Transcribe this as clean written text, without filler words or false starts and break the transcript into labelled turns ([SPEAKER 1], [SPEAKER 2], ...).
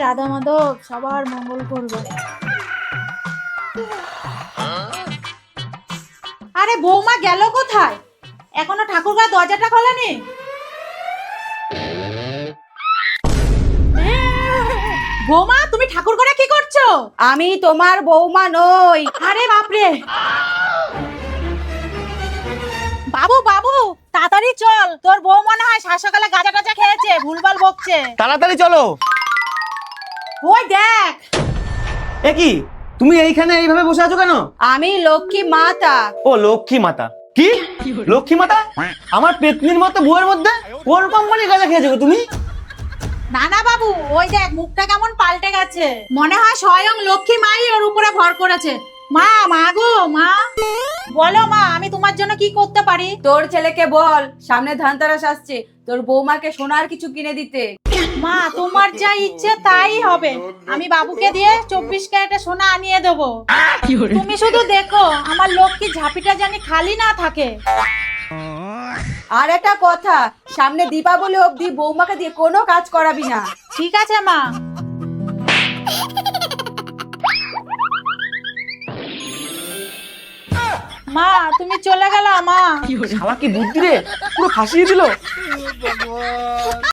[SPEAKER 1] রাধা মাধব সবার মঙ্গল করবে। আরে বৌমা গেল কোথায়? এখনো ঠাকুরঘর দরজাটা খোলেনি? বৌমা তুমি ঠাকুর ঘরে কি করছো?
[SPEAKER 2] আমি তোমার বৌমা নই।
[SPEAKER 1] আরে বাপরে, বাবু বাবু তাড়াতাড়ি চল, তোর বউ মনে হয় সকালে গাঁজা টাজা খেয়েছে, ভুলভাল বকছে।
[SPEAKER 3] তাড়াতাড়ি চলো।
[SPEAKER 1] ওই দেখ।
[SPEAKER 3] এ কি, তুমি এইখানে এইভাবে বসে আছো কেন?
[SPEAKER 2] আমি লক্ষ্মী মাতা।
[SPEAKER 3] ও লক্ষ্মী মাতা। কি লক্ষ্মী মাতা? আমার পেতনির মতো বউয়ের মধ্যে কোন কোম্পানির গাঁজা খেয়েছো গো তুমি?
[SPEAKER 1] না না বাবু, ওই দেখ মুখটা কেমন পাল্টে গেছে, মনে হয় স্বয়ং লক্ষ্মী মাই ওর উপরে ভর করেছে। মা, মা গো মা, বলো মা, আমি তোমার জন্য কি করতে পারি?
[SPEAKER 2] তোর ছেলেকে বল সামনে ধানতেরাস আসছে, তোর বৌমাকে সোনার কিছু কিনে দিতে।
[SPEAKER 1] মা তোমার যা ইচ্ছে তাই হবে, আমি বাবুকে দিয়ে 24 ক্যারেটে সোনা আনিয়ে দেবো। তুমি শুধু দেখো আমার লক্ষ্মী ঝাঁপিটা জানি খালি না থাকে।
[SPEAKER 2] আর একটা কথা, সামনে দীপাবলি অবধি বৌমাকে দিয়ে কোনো কাজ করাবি না।
[SPEAKER 1] ঠিক আছে মা। মা তুমি চলে গেলা মা।
[SPEAKER 3] শালা কি বুদ্ধি রে, পুরো ফাঁসিয়ে দিল।